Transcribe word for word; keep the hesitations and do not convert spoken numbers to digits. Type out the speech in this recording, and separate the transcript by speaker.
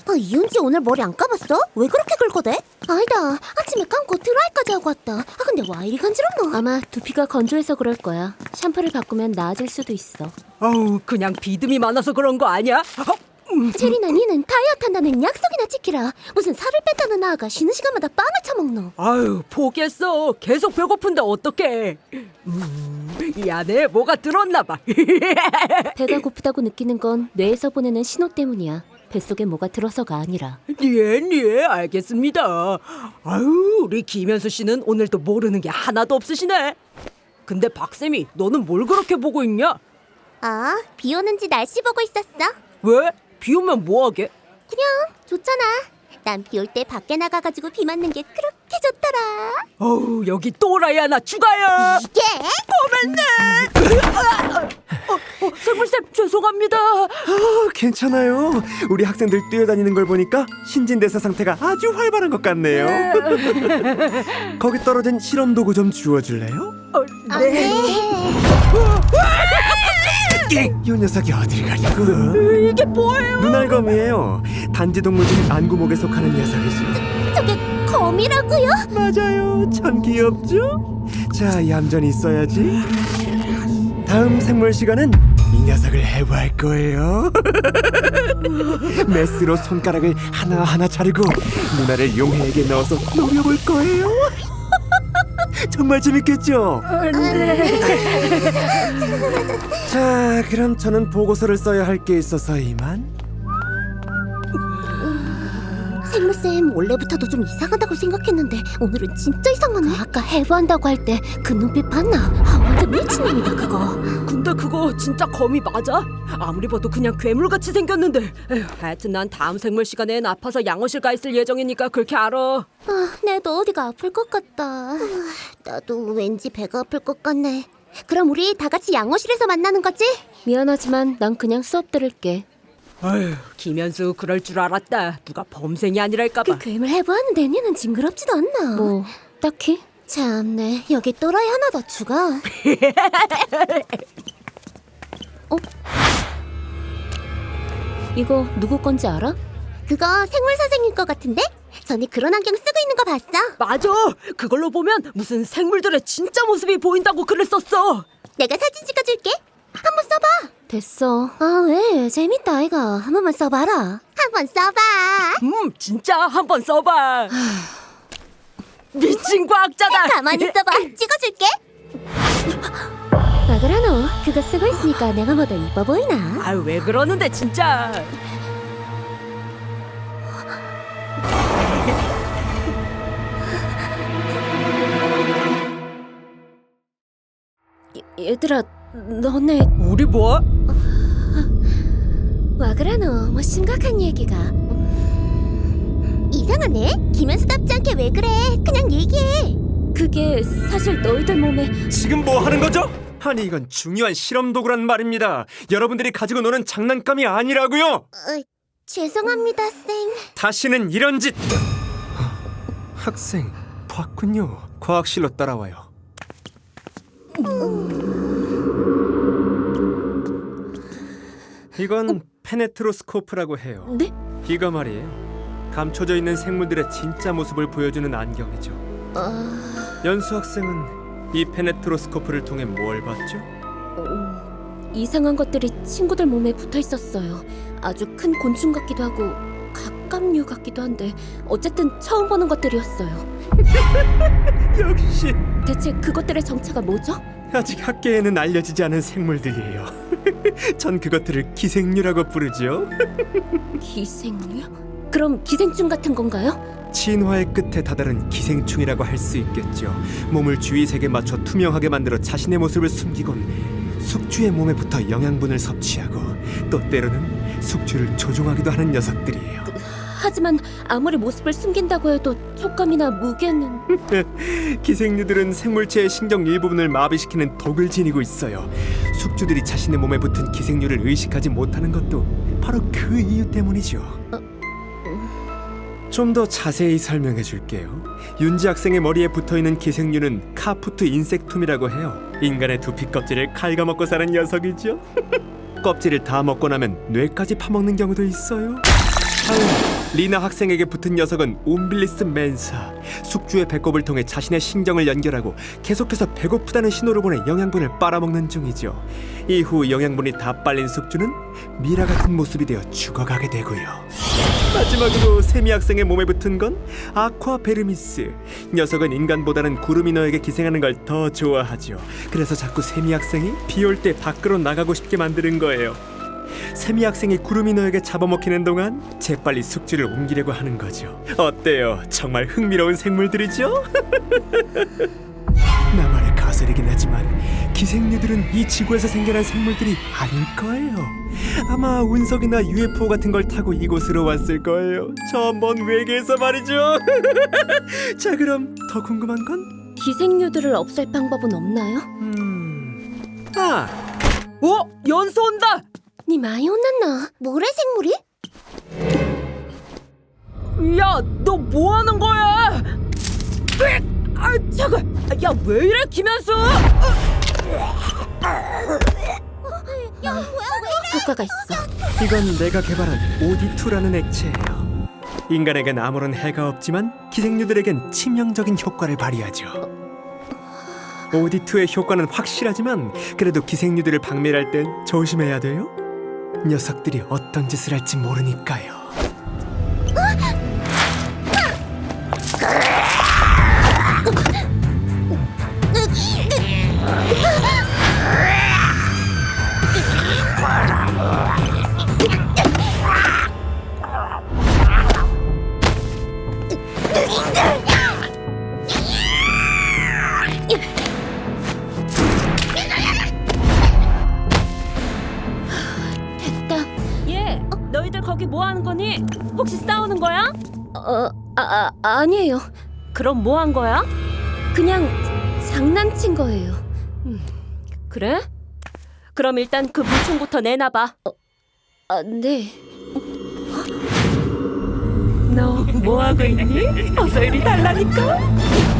Speaker 1: 아, 이은지 오늘 머리 안 감았어? 왜 그렇게 긁어대? 아니다, 아침에 감고 드라이까지 하고 왔다. 아, 근데 와 이리 간지럽노?
Speaker 2: 아마 두피가 건조해서 그럴 거야. 샴푸를 바꾸면 나아질 수도 있어.
Speaker 3: 어우, 그냥 비듬이 많아서 그런 거 아니야?
Speaker 1: 체리나 니는 다이어트 한다는 약속이나 지키라. 무슨 살을 뺐다는 아가 쉬는 시간마다 빵을 처먹노.
Speaker 3: 아유, 포기했어. 계속 배고픈데 어떡해. 음, 이 안에 뭐가 들었나 봐.
Speaker 2: 배가 고프다고 느끼는 건 뇌에서 보내는 신호 때문이야. 뱃속에 뭐가 들어서가 아니라.
Speaker 3: 예, 예, 알겠습니다. 아유, 우리 김현수 씨는 오늘도 모르는 게 하나도 없으시네. 근데 박쌤이 너는 뭘 그렇게 보고 있냐?
Speaker 1: 아, 비 오는지 날씨 보고 있었어.
Speaker 3: 왜? 비 오면 뭐하게?
Speaker 1: 그냥 좋잖아. 난 비 올 때 밖에 나가가지고 비 맞는 게 그렇게 좋더라.
Speaker 3: 어우, 여기 또라이 하나 추가요.
Speaker 1: 이게?
Speaker 3: 어, 설물쌤 죄송합니다.
Speaker 4: 아, 괜찮아요. 우리 학생들 뛰어다니는 걸 보니까 신진대사 상태가 아주 활발한 것 같네요. 거기 떨어진 실험 도구 좀 주워줄래요?
Speaker 3: 어,
Speaker 1: 아,
Speaker 3: 네.
Speaker 1: 네.
Speaker 4: 이 녀석이 어딜 가려고?
Speaker 3: 이게 뭐예요?
Speaker 4: 눈알검이에요. 단지동물중 안구목에 속하는 녀석이죠.
Speaker 1: 저게 거미라고요?
Speaker 4: 맞아요. 참 귀엽죠? 자, 얌전히 있어야지. 다음 생물 시간은 이 녀석을 해부할 거예요. 메스로 손가락을 하나하나 자르고 문화를 용해에게 넣어서 노려볼 거예요. 정말 재밌겠죠? 자, 그럼 저는 보고서를 써야 할 게 있어서 이만.
Speaker 1: 생물쌤 원래부터도 좀 이상하다고 생각했는데 오늘은 진짜 이상하네.
Speaker 2: 아까 해부한다고 할 때 그 눈빛 봤나?
Speaker 1: 아, 완전 미친놈이다 그거.
Speaker 3: 근데 그거 진짜 거미 맞아? 아무리 봐도 그냥 괴물같이 생겼는데. 에휴, 하여튼 난 다음 생물 시간엔 아파서 양호실 가 있을 예정이니까 그렇게 알아.
Speaker 1: 아, 내도 어디가 아플 것 같다. 아, 나도 왠지 배가 아플 것 같네. 그럼 우리 다 같이 양호실에서 만나는 거지?
Speaker 2: 미안하지만 난 그냥 수업 들을게.
Speaker 3: 아휴, 김현수 그럴 줄 알았다. 누가 범생이 아니랄까봐.
Speaker 1: 그 괴물 해부하는데 니는 징그럽지도 않나?
Speaker 2: 뭐 딱히?
Speaker 1: 참네, 여기 또라이 하나 더 추가.
Speaker 2: 어? 이거 누구 건지 알아?
Speaker 1: 그거 생물 선생님 거 같은데? 전에 그런 안경 쓰고 있는 거 봤어?
Speaker 3: 맞아. 그걸로 보면 무슨 생물들의 진짜 모습이 보인다고 글을 썼어.
Speaker 1: 내가 사진 찍어줄게. 한번 써봐.
Speaker 2: 됐어.
Speaker 1: 아, 왜? 재밌다 아이가. 한 번만 써봐라. 한번 써봐.
Speaker 3: 음, 진짜 한번 써봐. 미친 과학자다.
Speaker 1: 가만히 있어봐. 찍어줄게.
Speaker 2: 아 그래 너 그거 쓰고 있으니까 내가 뭐 더 이뻐 보이나?
Speaker 3: 아유, 왜 그러는데 진짜.
Speaker 2: 얘들아 너네
Speaker 3: 우리 뭐?
Speaker 2: 와 그래 너 뭐 심각한 얘기가.
Speaker 1: 이상하네. 김현수답지 않게 왜 그래? 그냥 얘기해.
Speaker 2: 그게 사실 너희들 몸에
Speaker 4: 지금 뭐 하는 거죠? 아니, 이건 중요한 실험 도구란 말입니다. 여러분들이 가지고 노는 장난감이 아니라고요.
Speaker 1: 어, 죄송합니다, 쌤.
Speaker 4: 다시는 이런 짓. 학생 봤군요. 과학실로 따라와요. 이건 페네트로스코프라고 해요.
Speaker 2: 네?
Speaker 4: 이거 말이에요. 감춰져 있는 생물들의 진짜 모습을 보여주는 안경이죠.
Speaker 2: 아...
Speaker 4: 연수 학생은 이 페네트로스코프를 통해 뭘 봤죠?
Speaker 2: 음, 이상한 것들이 친구들 몸에 붙어 있었어요. 아주 큰 곤충 같기도 하고 갑각류 같기도 한데 어쨌든 처음 보는 것들이었어요.
Speaker 4: 역시
Speaker 2: 대체 그것들의 정체가 뭐죠?
Speaker 4: 아직 학계에는 알려지지 않은 생물들이에요. 전 그것들을 기생류라고 부르죠.
Speaker 2: 기생류? 그럼 기생충 같은 건가요?
Speaker 4: 진화의 끝에 다다른 기생충이라고 할 수 있겠죠. 몸을 주위색에 맞춰 투명하게 만들어 자신의 모습을 숨기곤 숙주의 몸에 붙어 영양분을 섭취하고 또 때로는 숙주를 조종하기도 하는 녀석들이에요.
Speaker 2: 하지만 아무리 모습을 숨긴다고 해도 촉감이나 무게는...
Speaker 4: 기생류들은 생물체의 신경 일부분을 마비시키는 독을 지니고 있어요. 숙주들이 자신의 몸에 붙은 기생류를 의식하지 못하는 것도 바로 그 이유 때문이죠. 좀 더 자세히 설명해 줄게요. 윤지 학생의 머리에 붙어있는 기생류는 카푸트 인섹툼이라고 해요. 인간의 두피 껍질을 갉아먹고 사는 녀석이죠. 껍질을 다 먹고 나면 뇌까지 파먹는 경우도 있어요. 리나 학생에게 붙은 녀석은 옴빌리스 멘사. 숙주의 배꼽을 통해 자신의 신경을 연결하고 계속해서 배고프다는 신호를 보내 영양분을 빨아먹는 중이죠. 이후 영양분이 다 빨린 숙주는 미라 같은 모습이 되어 죽어가게 되고요. 마지막으로 세미 학생의 몸에 붙은 건 아쿠아 베르미스. 녀석은 인간보다는 구루미너에게 기생하는 걸 더 좋아하죠. 그래서 자꾸 세미 학생이 비 올 때 밖으로 나가고 싶게 만드는 거예요. 세미 학생이 구루미너에게 잡아먹히는 동안 재빨리 숙주를 옮기려고 하는 거죠. 어때요? 정말 흥미로운 생물들이죠? 나만의 가설이긴 하지만 기생류들은 이 지구에서 생겨난 생물들이 아닐 거예요. 아마 운석이나 유에프오 같은 걸 타고 이곳으로 왔을 거예요. 저 먼 외계에서 말이죠. 자, 그럼 더 궁금한 건?
Speaker 2: 기생류들을 없앨 방법은 없나요?
Speaker 4: 음... 아!
Speaker 3: 어? 연수 온다.
Speaker 2: 니 많이 혼났나?
Speaker 1: 모래 생물이?
Speaker 3: 야, 너 뭐 하는 거야? 으익! 아, 잠깐. 야, 왜 이래, 김현수?
Speaker 2: 효과가 있어.
Speaker 4: 이건 내가 개발한 오디투라는 액체예요. 인간에겐 아무런 해가 없지만 기생류들에겐 치명적인 효과를 발휘하죠. 오디투의 효과는 확실하지만 그래도 기생류들을 박멸할 땐 조심해야 돼요. 녀석들이 어떤 짓을 할지 모르니까요.
Speaker 2: 얘, 너희들 거기 뭐 하는 거니? 혹시 싸우는 거야? 어, 아, 아 아니에요. 그럼 뭐 한 거야? 그냥 장난친 거예요. 음, 그래? 그럼 일단 그 물총부터 내놔봐. 어, 아, 네.
Speaker 3: 너 뭐 하고 있니? 어서 이리 달라니까.